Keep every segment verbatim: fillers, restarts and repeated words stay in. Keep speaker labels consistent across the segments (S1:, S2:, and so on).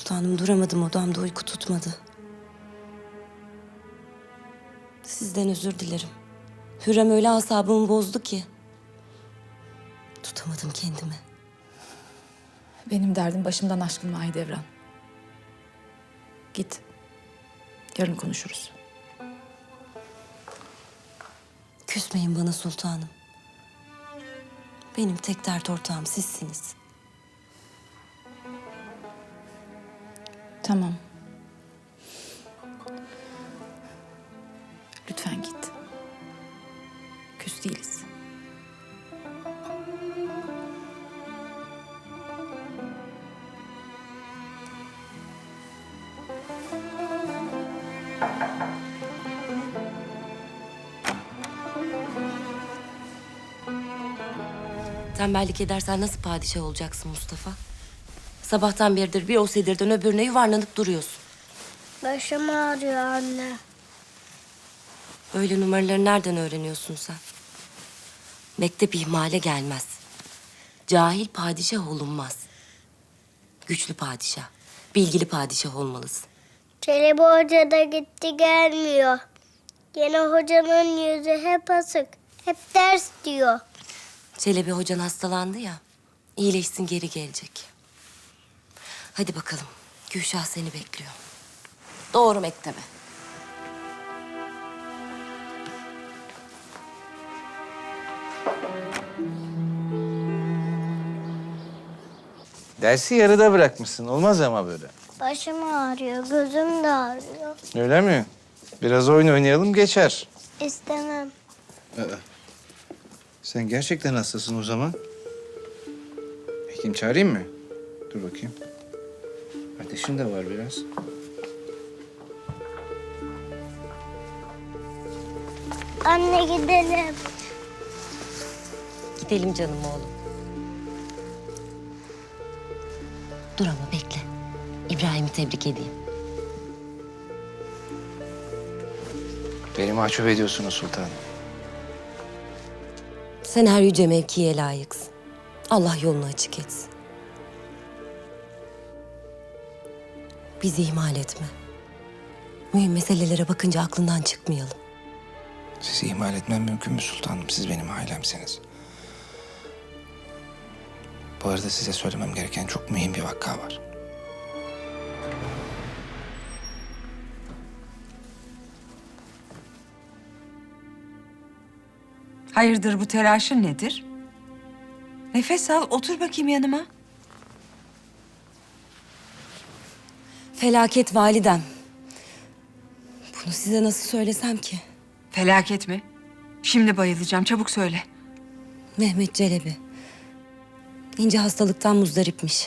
S1: Sultanım duramadım, odamda uyku tutmadı. Sizden özür dilerim. Hürrem öyle asabımı bozdu ki. Tutamadım kendimi.
S2: Benim derdim başımdan aşkın Mahidevran. Git. Yarın konuşuruz.
S1: Küsmeyin bana sultanım. Benim tek dert ortağım sizsiniz.
S2: Tamam. Lütfen git. Küs değiliz.
S1: Tembellik edersen nasıl padişah olacaksın Mustafa? Sabahtan beridir bir o sedirden öbürüne yuvarlanıp duruyorsun.
S3: Başım ağrıyor anne.
S1: Öyle numaraları nereden öğreniyorsun sen? Mektep ihmale gelmez. Cahil padişah olunmaz. Güçlü padişah, bilgili padişah olmalısın.
S3: Çelebi Hoca da gitti gelmiyor. Yine hocanın yüzü hep asık. Hep ders diyor.
S1: Çelebi hocan hastalandı ya, iyileşsin geri gelecek. Hadi bakalım, Gülşah seni bekliyor. Doğru mektebe.
S4: Dersi yarıda bırakmışsın. Olmaz ama böyle.
S3: Başım ağrıyor, gözüm de ağrıyor.
S4: Öyle mi? Biraz oyun oynayalım geçer.
S3: İstemem.
S4: Aa, sen gerçekten hastasın o zaman. Hekim çağırayım mı? Dur bakayım. Ateşin de var biraz.
S3: Anne gidelim.
S1: Gidelim canım oğlum. Dur ama bekle. İbrahim'i tebrik edeyim.
S4: Beni mahcup ediyorsunuz sultanım.
S1: Sen her yüce mevkiye layıksın. Allah yolunu açık etsin. Bizi ihmal etme. Mühim meselelere bakınca aklından çıkmayalım.
S4: Sizi ihmal etmem mümkün mü sultanım? Siz benim ailemsiniz. Bu arada size söylemem gereken çok mühim bir vakka var.
S5: Hayırdır bu telaşın nedir? Nefes al, otur bakayım yanıma.
S1: Felaket validem. Bunu size nasıl söylesem ki?
S5: Felaket mi? Şimdi bayılacağım, çabuk söyle.
S1: Mehmet Çelebi. İnce hastalıktan muzdaripmiş.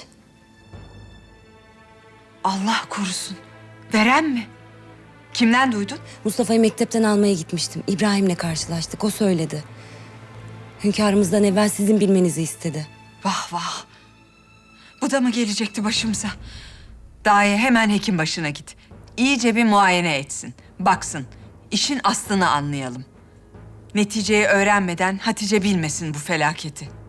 S5: Allah korusun. Veren mi? Kimden duydun?
S1: Mustafa'yı mektepten almaya gitmiştim. İbrahim'le karşılaştık. O söyledi. Hünkârımızdan evvel sizin bilmenizi istedi.
S5: Vah vah. Bu da mı gelecekti başımıza? Daye hemen hekim başına git. İyice bir muayene etsin. Baksın. İşin aslını anlayalım. Neticeyi öğrenmeden Hatice bilmesin bu felaketi.